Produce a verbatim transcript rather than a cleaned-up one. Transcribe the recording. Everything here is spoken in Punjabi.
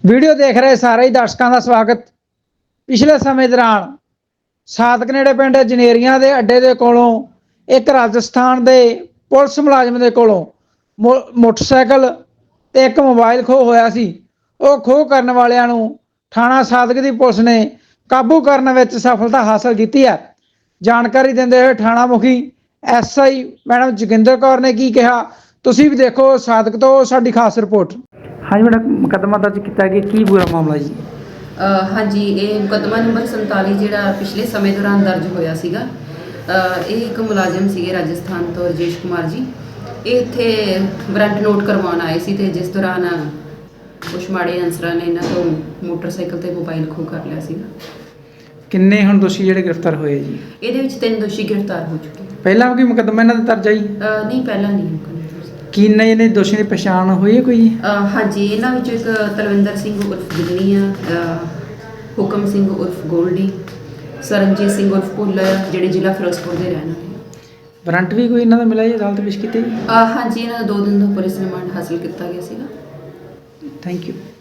ਵੀਡੀਓ ਦੇਖ ਰਹੇ ਸਾਰੇ ਹੀ ਦਰਸ਼ਕਾਂ ਦਾ ਸਵਾਗਤ। ਪਿਛਲੇ ਸਮੇਂ ਦੌਰਾਨ ਸਾਦਕ ਨੇੜੇ ਪਿੰਡ ਜਨੇਰੀਆਂ ਦੇ ਅੱਡੇ ਦੇ ਕੋਲੋਂ ਇੱਕ ਰਾਜਸਥਾਨ ਦੇ ਪੁਲਿਸ ਮੁਲਾਜ਼ਮ ਦੇ ਕੋਲੋਂ ਮੋ ਮੋਟਰਸਾਈਕਲ ਤੇ ਇੱਕ ਮੋਬਾਈਲ ਖੋਹ ਹੋਇਆ ਸੀ। ਉਹ ਖੋਹ ਕਰਨ ਵਾਲਿਆਂ ਨੂੰ ਥਾਣਾ ਸਾਦਕ ਦੀ ਪੁਲਿਸ ਨੇ ਕਾਬੂ ਕਰਨ ਵਿੱਚ ਸਫਲਤਾ ਹਾਸਲ ਕੀਤੀ ਹੈ। ਜਾਣਕਾਰੀ ਦਿੰਦੇ ਹੋਏ ਥਾਣਾ ਮੁਖੀ S I madam Joginder Kaur ने की कहा, ਤੁਸੀਂ ਵੀ देखो सादक तो साडी खास रिपोर्ट। हाँ जी मैडम, मुकदमा दर्ज किया गया, की पूरा मामला जी? हाँ जी, ये मुकदमा नंबर संताली जो पिछले समय दौरान दर्ज होया सीगा। ये एक मुलाजिम सीगे राजस्थान तो राजेश कुमार जी, ये इत्थे वारंट नोट करवाउण आए सी ते जिस दौरान कुछ माड़े अंसरां ने इन्हां तों मोटरसाइकिल ते मोबाइल खो कर लिया सीगा। किन्ने हुण दोषी जिहड़े गिरफ्तार होए जी? ਇਹਦੇ ਵਿੱਚ ਤਿੰਨ ਦੋਸ਼ੀ ਗ੍ਰਿਫਤਾਰ ਹੋ ਚੁੱਕੇ। ਪਹਿਲਾਂ ਵੀ ਮੁਕੱਦਮਾ ਇਹਨਾਂ ਦਾ ਦਰਜ ਹੈ ਜੀ? ਨਹੀਂ, ਪਹਿਲਾਂ ਨਹੀਂ। ਕਿੰਨੇ ਇਹਨੇ ਦੋਸ਼ੀਆਂ ਦੀ ਪਛਾਣ ਹੋਈ ਹੈ ਕੋਈ? ਹਾਂਜੀ, ਇਹਨਾਂ ਵਿੱਚੋਂ ਇੱਕ ਤਲਵਿੰਦਰ ਸਿੰਘ ਉਰਫ ਗਿੱਦਣੀ ਆ, ਹੁਕਮ ਸਿੰਘ ਉਰਫ ਗੋਲਡੀ, ਸਰਨਜੀਤ ਸਿੰਘ ਉਰਫ ਭੁੱਲਰ ਜਿਹੜੇ ਜ਼ਿਲ੍ਹਾ ਫਿਰੋਜ਼ਪੁਰ ਦੇ ਰਹਿਣ ਵਾਲੇ ਆ। ਵਾਰੰਟ ਵੀ ਕੋਈ ਇਹਨਾਂ ਦਾ ਮਿਲਿਆ ਜੀ, ਅਦਾਲਤ ਪੇਸ਼ ਕੀਤੇ ਜੀ? ਹਾਂਜੀ, ਇਹਨਾਂ ਦਾ ਦੋ ਦਿਨ ਦਾ ਪੁਲਿਸ ਰਿਮਾਂਡ ਹਾਸਲ ਕੀਤਾ ਗਿਆ ਸੀਗਾ। Thank you.